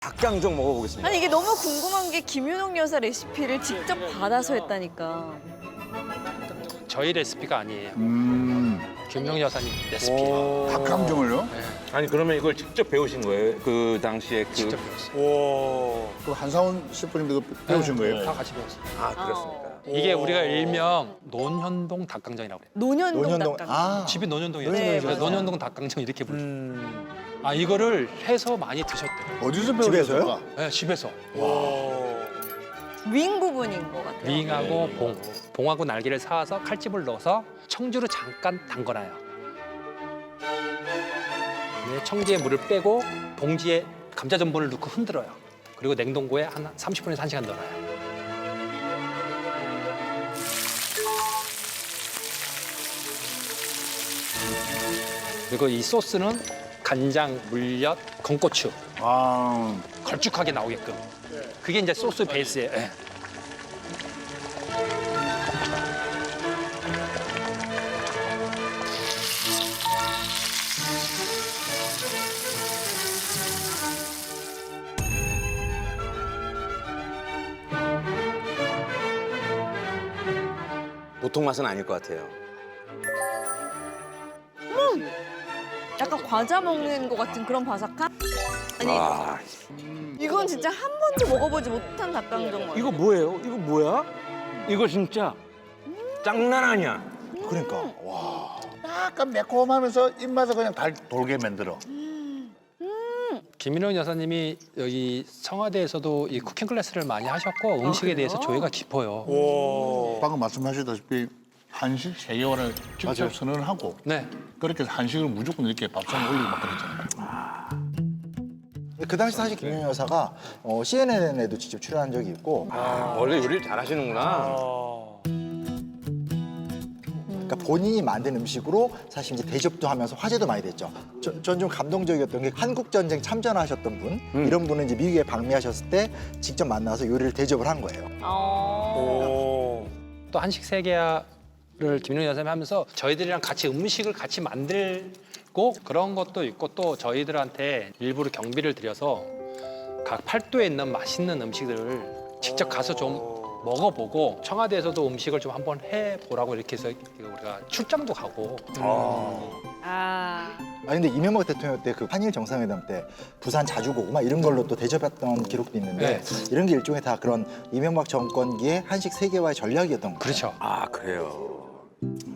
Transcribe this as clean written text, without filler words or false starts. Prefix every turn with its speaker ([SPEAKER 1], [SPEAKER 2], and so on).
[SPEAKER 1] 닭강정 먹어보겠습니다.
[SPEAKER 2] 아니 이게 너무 궁금한 게 김윤옥 여사 레시피를 직접 받아서 했다니까.
[SPEAKER 3] 저희 레시피가 아니에요. 김용 여사님 레시피예요.
[SPEAKER 4] 닭강정을요?
[SPEAKER 1] 아니 그러면 이걸 직접 배우신 거예요? 그 당시에 그...
[SPEAKER 3] 직접 배웠어요.
[SPEAKER 4] 그 한상훈 셰프님도 배우신 거예요?
[SPEAKER 3] 다 같이 배웠어요.
[SPEAKER 1] 아 그렇습니까?
[SPEAKER 3] 이게 우리가 일명 논현동 닭강정이라고 그래요.
[SPEAKER 2] 논현동 닭강정.
[SPEAKER 4] 아,
[SPEAKER 3] 집이 논현동이에요.
[SPEAKER 2] 네,
[SPEAKER 3] 그래서
[SPEAKER 2] 맞아요.
[SPEAKER 3] 논현동 닭강정 이렇게 불러요. 아 이거를 해서 많이 드셨대요.
[SPEAKER 4] 어디서
[SPEAKER 5] 집에서요?
[SPEAKER 4] 배우셨어요?
[SPEAKER 3] 네, 집에서.
[SPEAKER 2] 윙 부분인 것 같아요.
[SPEAKER 3] 윙하고 봉하고 날개를 사와서 칼집을 넣어서 청주로 잠깐 담궈놔요. 네, 청주에 물을 빼고 봉지에 감자 전분을 넣고 흔들어요. 그리고 냉동고에 한 30분에서 1시간 넣어놔요. 그리고 이 소스는 간장, 물엿, 건고추
[SPEAKER 4] 아,
[SPEAKER 3] 걸쭉하게 나오게끔. 그게 이제 소스 베이스예요. 예.
[SPEAKER 1] 보통 맛은 아닐 것 같아요.
[SPEAKER 2] 약간 과자 먹는 것 같은 그런 바삭함? 아니
[SPEAKER 1] 아
[SPEAKER 2] 이건 진짜 한 번도 먹어보지 못한 닭강정 맛.
[SPEAKER 1] 이거 뭐예요? 이거 뭐야? 이거 진짜 장난 아니야.
[SPEAKER 5] 그러니까 와.
[SPEAKER 4] 약간 매콤하면서 입맛을 그냥 달 돌게 만들어.
[SPEAKER 3] 김인원 여사님이 여기 청와대에서도 이 쿠킹 클래스를 많이 하셨고 음식에 대해서 조예가 깊어요.
[SPEAKER 4] 방금 말씀하셨다시피 한식 세계화를 직접 선언을 하고
[SPEAKER 3] 네.
[SPEAKER 4] 그렇게 해서 한식을 무조건 이렇게 밥상에 올리고 막 그랬잖아요.
[SPEAKER 5] 그 당시 사실 김윤 여사가 CNN에도 직접 출연한 적이 있고,
[SPEAKER 1] 원래 요리를 잘하시는구나.
[SPEAKER 5] 그러니까 본인이 만든 음식으로 사실 이제 대접도 하면서 화제도 많이 됐죠. 전 좀 감동적이었던 게 한국 전쟁 참전하셨던 분, 이런 분은 이제 미국에 방미하셨을 때 직접 만나서 요리를 대접을 한 거예요.
[SPEAKER 3] 또 한식 세계화를 김인원 여사님이 하면서 저희들이랑 같이 음식을 같이 만들고 그런 것도 있고 또 저희들한테 일부러 경비를 들여서 각 팔도에 있는 맛있는 음식들을 직접 가서 좀 먹어보고 청와대에서도 음식을 좀 한번 해보라고 이렇게 해서 우리가 출장도 가고
[SPEAKER 2] 아
[SPEAKER 5] 근데 이명박 대통령 때 그 한일 정상회담 때 부산 자주 고고 막 이런 걸로 또 대접했던 기록도 있는데 이런 게 일종의 다 그런 이명박 정권기의 한식 세계화의 전략이었던 거예요.
[SPEAKER 3] 그렇죠.
[SPEAKER 1] 아 그래요.